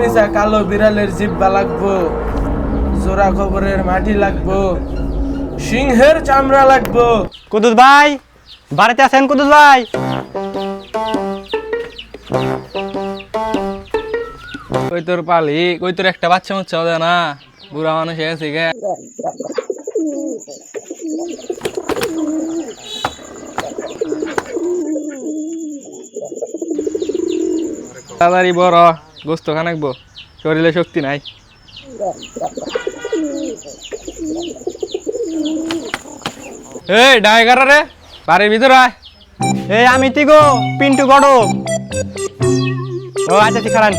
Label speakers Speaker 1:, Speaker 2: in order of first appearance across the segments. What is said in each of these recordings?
Speaker 1: মিশা কালো বিড়ালের জিব্বা লাগবো, জোড়া খবরের মাটি লাগবো, সিংহের চামড়া লাগবো।
Speaker 2: কুদুস ভাই বাড়িতে আছেন? কুদুস ভাই
Speaker 3: কই তোর পালি, কই তোর একটা বাচ্চা মুচ্ছা হবে না, বুড়া মানুষ হয়ে গেছে গে। তাড়াতাড়ি বড় গোস্ত খানাকবো, শরীরে শক্তি নাই। এই ডাইগার রে, বাড়ির ভিতরে আয়।
Speaker 2: এই আমি তিগো পিন্টু গড়ক। ও আচ্ছা ঠিক খারান।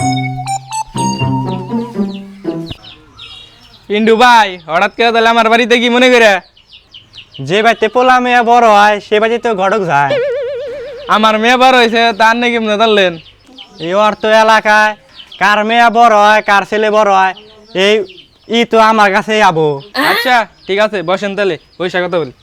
Speaker 3: পিন্টু ভাই হঠাৎ করে তাহলে আমার বাড়িতে কি মনে করে?
Speaker 2: যে বাড়িতে পোলা মেয়ে বড় হয় সে বাড়িতে তো গড়ক যায়।
Speaker 3: আমার মেয়ে বার হয়েছে তার নাকি মনে ধরলেন?
Speaker 2: এই অর্থ এলাকায় কার মেয়ে বড় হয় কার ছেলে বড় হয় এই ই তো আমার কাছে আবো।
Speaker 3: আচ্ছা ঠিক আছে বসেন তাহলে, পয়সা কথা বলি।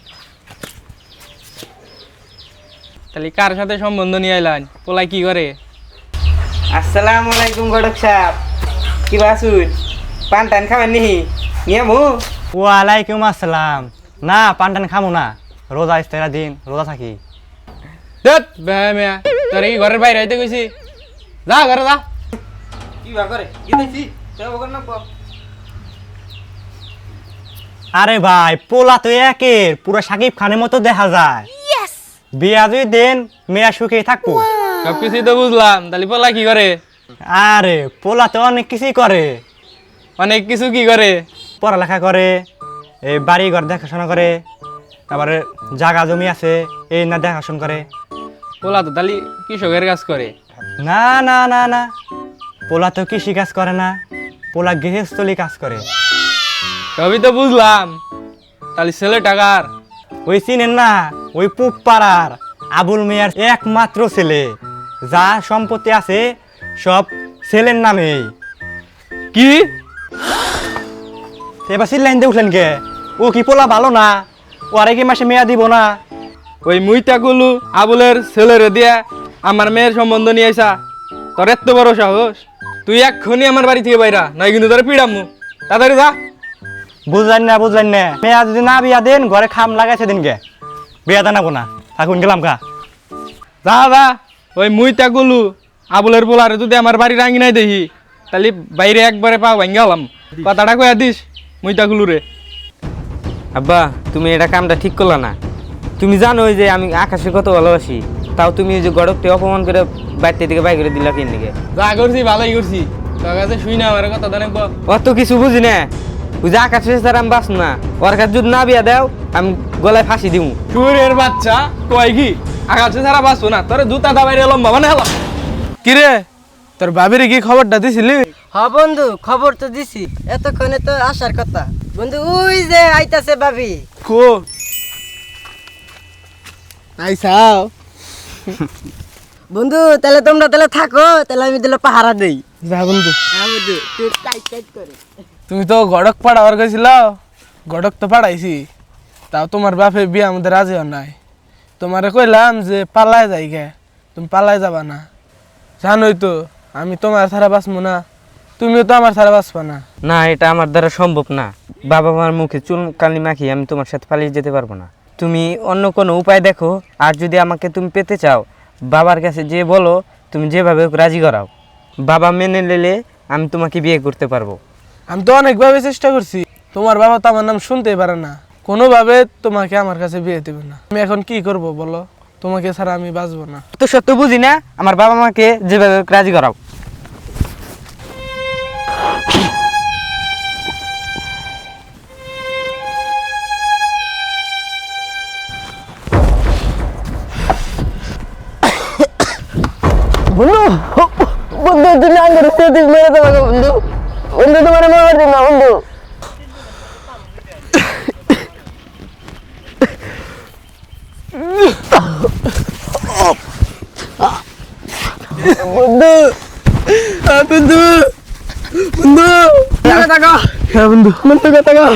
Speaker 3: তাহলে কার সাথে সম্বন্ধ নিয়ে আইলেন? পোলাই কি করে?
Speaker 4: আসসালামু আলাইকুম গড়ক সাহেব, কি বাসুন পান টান খাবেন নি নিয়ে মু?
Speaker 2: ওয়ালাইকুম আসসালাম। না পান খামো না, রোজা ইস্তেরা দিন রোজা থাকি।
Speaker 3: দেখ বেহা মেয়া, তোর কি ঘরের বাইরে আইতে কইছি? যা ঘরে যা।
Speaker 4: কি বা করে কি দিছি তো বকর না পো।
Speaker 2: আরে ভাই পোলা তো একের পুরো সাকিব খানের মতো দেখা যায়। বিয়া যদি দেন মেয়া সুখে থাকবো।
Speaker 3: সবকিছুই তো বুঝলাম, তাহলে পোলা কি করে?
Speaker 2: আরে পোলা তো অনেক কিছুই করে।
Speaker 3: অনেক কিছু কি করে?
Speaker 2: পড়ালেখা করে, এই বাড়ি ঘর দেখাশোনা করে, তারপরে জাগা জমি আছে এই না দেখাশোনা করে।
Speaker 3: পোলা তো তাহলে কৃষকের কাজ করে।
Speaker 2: না না না না, পোলা তো কৃষি কাজ করে না, পোলা গৃহস্থলী কাজ করে।
Speaker 3: সবই তো বুঝলাম, তাহলে ছেলে টাকার?
Speaker 2: ওই চিনেন না, ওই পুপ পাড়ার আবুল মিয়ার একমাত্র ছেলে, যা সম্পত্তি আছে সব ছেলের নামেই।
Speaker 3: কি
Speaker 2: এবার সিল্লাইন দিয়ে উঠলেন কে? ও কি পোলা ভালো না? ও আরে কি মাসে মেয়া দিব না?
Speaker 3: ওই মুইতাগুলো আবুলের ছেলেরে দিয়া আমার মেয়ের সম্বন্ধ নিয়ে আইসা? তোর এত বড় সাহস! তুই এক্ষুনি আমার বাড়ি থেকে বাইরা, নয় কিন্তু তোর পিড়ামু। তাড়াতাড়ি যা।
Speaker 2: বুঝলেন না, মেয়া যদি না বিয়া দেন ঘরে খাম লাগাইছে দিন গে, বিয়া দানাবো না, থাকুন গেলাম কা।
Speaker 3: যা যা, ওই মুইতাগুলো আবুলের পোলারে যদি আমার বাড়ি রাঙি নাই দেখি, তাহলে বাইরে একবারে পা ভাঙ্গা হলাম। কথাটা কয়া দিস মুইতাগুলো রে।
Speaker 4: আব্বা তুমি এটা কামটা ঠিক করলা না। তুমি জানো যে আমি আকাশের কত ভালোবাসি, তাও তুমি যে গড়ককে অপমান করে বাড়িতে থেকে বাই করে দিলা কেন দিকে?
Speaker 3: যা করছি ভালোই করছি, তোর কাছে শুই না আমার কথা জানে।
Speaker 4: অত কিছু বুঝি না, ওই যে আকাশ স্যার আমি বাঁচ না, ওর কাছে যদি না বিয়া দাও আমি গলায় ফাঁসি দিব।
Speaker 3: চুরের বাচ্চা কয় কি আকাশে ছাড়া বাঁচবো না? তোর জুতা দাবাই লম্বা মানে হলো।
Speaker 1: কিরে তোর বাবির কি খবরটা দিছিলি?
Speaker 5: হ বন্ধু খবর তো দিছি, এতক্ষণে তো আসার কথা। বন্ধু ওই যে আইতাছে ভাবি।
Speaker 1: কো আইসাও
Speaker 5: বন্ধু তাহলে তোমরা তাহলে থাকো, তাহলে আমি তাহলে পাহারা দেই।
Speaker 1: যা বন্ধু।
Speaker 5: হ্যাঁ বন্ধু তুই টাইট টাইট করে।
Speaker 1: তুমি তো গড়ক পাড়াবার গেছিল, গড়ক তো পাড়াইছি, তাও তোমার বাপে বিয়ে আমাদের রাজি হন নাই। তোমারে কইলাম যে পালায় যাই গে, তুমি পালায় যাবা না। জানোই তো আমি তোমার ছাড়া বাঁচবো না, তুমিও তো আমার ছাড়া বাঁচবা না।
Speaker 4: না এটা আমার দ্বারা সম্ভব না, বাবা মার মুখে চুল কালি মাখি আমি তোমার সাথে পালিয়ে যেতে পারবো না। তুমি অন্য কোনো উপায় দেখো, আর যদি আমাকে তুমি পেতে চাও বাবার কাছে যে বলো, তুমি যেভাবে হোক রাজি করাও, বাবা মেনে নিলে আমি তোমাকে বিয়ে করতে পারবো।
Speaker 1: আমি তো অনেকভাবে চেষ্টা করছি, তোমার বাবা তো আমার নাম শুনতেই পারে না, কোনোভাবে তোমাকে আমার কাছে বিয়ে দেবে না। আমি এখন কি করব বলো, তোমাকে ছাড়া আমি বাঁচবো না।
Speaker 4: তো সত্য বুঝি না, আমার বাবা মাকে যেভাবে হোক রাজি করাও।
Speaker 5: বন্ধু বন্ধু তুমি আঙ্গুর খেতে মেরে দেবো বন্ধু, বন্ধু তোমার মার দিন না বন্ধু। বন্ধু বন্ধু বন্ধু টাকা,
Speaker 1: হ্যাঁ বন্ধু।
Speaker 5: বন্ধু টাকা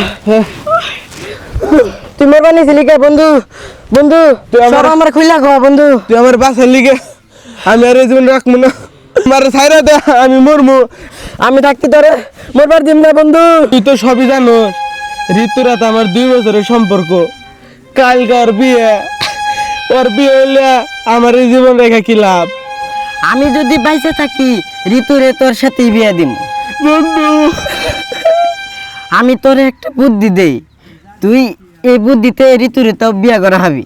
Speaker 5: তুমি বানিয়েছিলি কে বন্ধু? বন্ধু সব আমার খুইলা খাওয়া বন্ধু।
Speaker 1: তুই আমার বাসার লিগে আমি আর এই জীবন রাখবো না, আমার ছাইরা দে, আমি মরমু।
Speaker 5: আমি থাকতে তোরে মরবার দিম না বন্ধু।
Speaker 1: তুই তো সবই জানোস, ঋতুরাত আমার 2 বছরের সম্পর্ক। কালকার বিয়ে, ওর বিয়ে হইলে আমার এই জীবন রেখা কি লাভ?
Speaker 5: আমি যদি বাইসে থাকি ঋতুরে তোর সাথেই বিয়ে দিম।
Speaker 1: বন্ধু,
Speaker 5: আমি তোরে একটা বুদ্ধি দেই, তুই এই বুদ্ধিতে ঋতুরে তো বিয়ে করা হবি।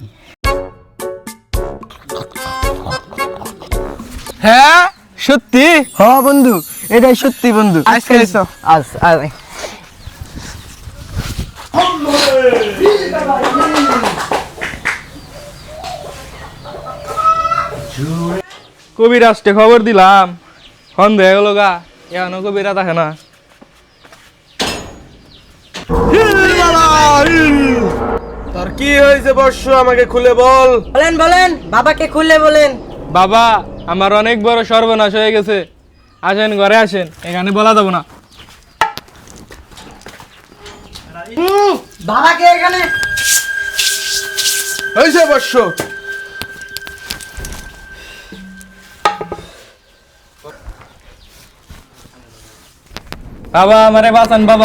Speaker 1: হ্যাঁ সত্যি?
Speaker 5: হ বন্ধু, এটাই সত্যি বন্ধু।
Speaker 1: আজকে এসো।
Speaker 3: কবিরাজকে খবর দিলাম, সন্দেহ হয়ে গেল গা, এখনো কবিরা দেখে না।
Speaker 1: তোর কি হয়েছে বর্ষ, আমাকে খুলে বল।
Speaker 5: বলেন বলেন, বাবাকে খুলে বলেন।
Speaker 3: বাবা, আমার অনেক বড় সর্বনাশ হয়ে গেছে। আসেন, ঘরে আসেন, এখানে বলা যাবো না।
Speaker 5: বাবাকে এখানে
Speaker 1: হয়েছে বর্ষ।
Speaker 3: বাবা, আমারে বাঁচান বাবা।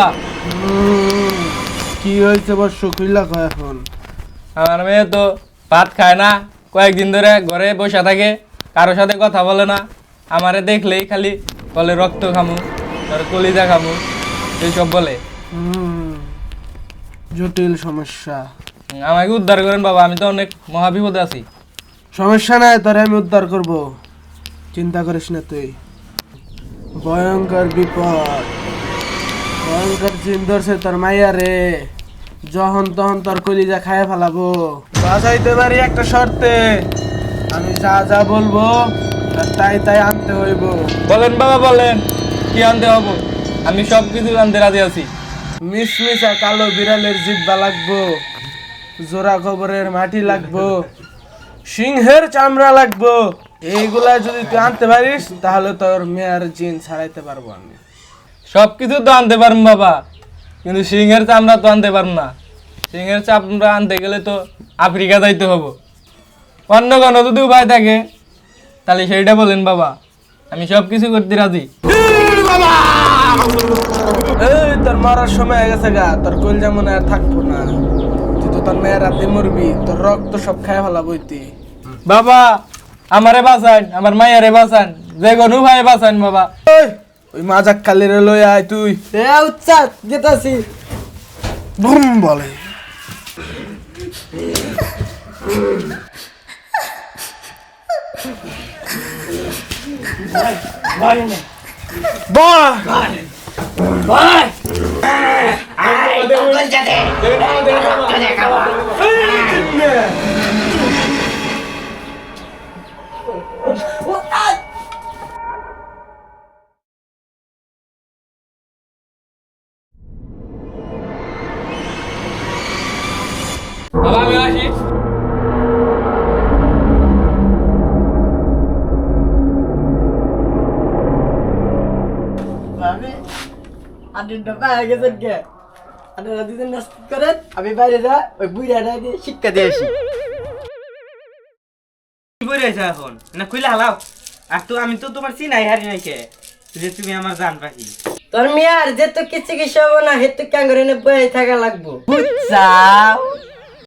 Speaker 1: কি হয়েছে বর্ষ, খুইলা কয় এখন।
Speaker 3: আমার মেয়ে তো ভাত খায় না, কয়েকদিন ধরে ঘরে বসে থাকে, কারোর সাথে কথা বলে না। আমারে দেখলেই খালি বলে রক্ত খামু, তার কলিজা খামু, এইসব বলে।
Speaker 1: জটিল সমস্যা।
Speaker 3: আমাকে উদ্ধার করেন বাবা, আমি তো অনেক মহাবিপদে আছি।
Speaker 1: সমস্যা নাই, তোরে আমি উদ্ধার করব, চিন্তা করিস না তুই। ভয়ঙ্কর বিপদ, ভয়ঙ্কর জিন ধরছে তোর মাইয়া রে। যখন তখন তোর কলিজা খায় ফেলাবো। বাঁচাইতে পারি একটা শর্তে, আমি যা যা বলবো আর তাই তাই আনতে হইব।
Speaker 3: বলেন বাবা, বলেন কি আনতে হবো, আমি সব কিছু আনতে রাজি আছি।
Speaker 1: মিশমিশা কালো বিড়ালের জিব্বা লাগবো, জোড়া গোবরের মাটি লাগবো, সিংহের চামড়া লাগবো। এইগুলা যদি তুই আনতে পারিস তাহলে তোর মেয়ের জিন ছাড়াইতে পারবো আমি।
Speaker 3: সব কিছু তো আনতে পারবো বাবা, কিন্তু সিংহের চামড়া তো আনতে পারবো না। সিংহের চামড়া আনতে গেলে তো আফ্রিকা যাইতে হবো। অন্য কোনো যদি উপায় থাকে তাহলে সেইটা বলেন বাবা, আমি সব কিছু করতে রাজি।
Speaker 1: এই তোর মরার সময় হয়ে গেছে গা, তোর কলজা মনে আর থাকবো না। তুই তো তোর মেয়ের রাতে মরবি, তোর রক্ত সব খায় ফেলাবো তুই।
Speaker 3: বাবা, আমারে বাঁচান, আমার মায়েরে বাঁচান, যে কোনো উপায়ে বাঁচান বাবা।
Speaker 1: ওই মাজাক কালিরে লই আয় তুই।
Speaker 5: উচ্চাত যেতাছি।
Speaker 1: বুম বলে।
Speaker 3: বাবা, আমি আসি।
Speaker 5: আমি বাইরে যা, ওই বুড়াটা দিয়ে শিক্ষা দিয়ে আসি।
Speaker 4: কি করে আছো এখন না খুলে হালাও? আর তো আমি তো তোমার চিনাই হারি নাই কে, যে তুমি আমার জান পাখি।
Speaker 5: তোর মেয়ার যে তো কিছু কিছু হবো না, হেতু ক্যাঙ্গরে বয়ে থাকা লাগবো। বুঝছাও?